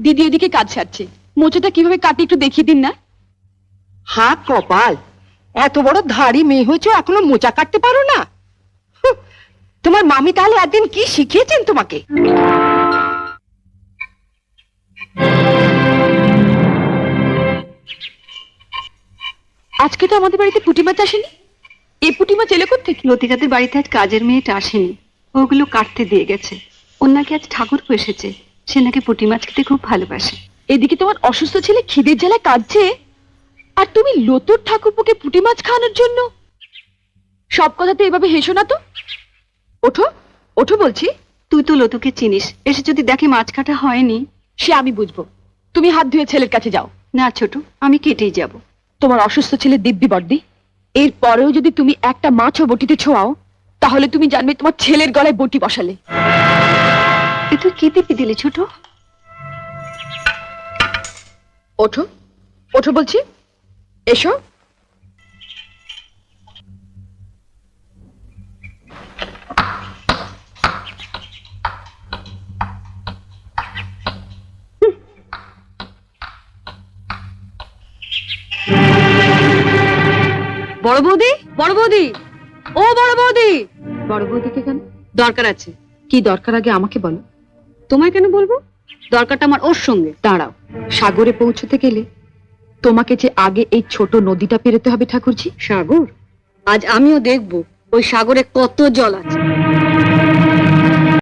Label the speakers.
Speaker 1: দিদি এদিকে কাজ সারছে, মোচাটা কিভাবে কাটি একটু দেখিয়ে দিন না।
Speaker 2: হা কপাল, এত বড় ধাড়ি মেয়ে হয়েছে এখনো মোচা কাটতে পারো না? হুঁ, তোমার মামি তাহলে একদিন কি শিখিয়েছেন তোমাকে?
Speaker 1: আজকে তো আমাদের বাড়িতে পুঁটি মাছ আসেনি। এই পুঁটি মাছ এলো কোত্থেকে?
Speaker 3: লতিকাদের বাড়িতে আজ কাজের মেয়েটা আসেনি, ওগুলো কাটতে দিয়ে গেছে। ওর নাকি আজ ঠাকুর এসেছে, সে নাকি পুঁটি মাছ খেতে খুব ভালোবাসে।
Speaker 1: এদিকে তোমার অসুস্থ ছেলে খিদের জ্বালায় কাঁদছে, আর তুমি লতুর ঠাকুরপোকে পুঁটি মাছ খাওয়ানোর জন্য। সব কথাতে এভাবে হেসো না তো। ওঠো ওঠো বলছি।
Speaker 3: তুই তো লতুকে চিনিস, এসে যদি দেখে মাছ কাটা হয়নি।
Speaker 1: সে আমি বুঝবো, তুমি হাত ধুয়ে ছেলের কাছে যাও।
Speaker 3: না ছোট, আমি কেটেই যাব।
Speaker 1: তোমার অসুস্থ ছেলে দিব্যি বর্দি, এর পরেও যদি তুমি একটা মাছও বটিতে ছোঁয়াও, তাহলে তুমি জানবে তোমার ছেলের গলায় বটি বসালে।
Speaker 3: এ তুই কি দিবি দিলি ছোট?
Speaker 1: ওঠো ওঠো বলছি, এসো।
Speaker 3: বড় বৌদি, বড় বৌদি, ও বড় বৌদি।
Speaker 1: বড় বৌদিকে কেন?
Speaker 3: দরকার আছে।
Speaker 1: কি দরকার আগে আমাকে বলো।
Speaker 3: তোমায় কেন বলবো? দরকারটা আমার ওর সঙ্গে।
Speaker 1: দাঁড়াও, সাগরে পৌঁছতে গেলে তোমাকে যে আগে এই ছোট নদীটা পেরোতে হবে ঠাকুরজি।
Speaker 3: সাগর? আজ আমিও দেখব ওই সাগরে কত জল আছে।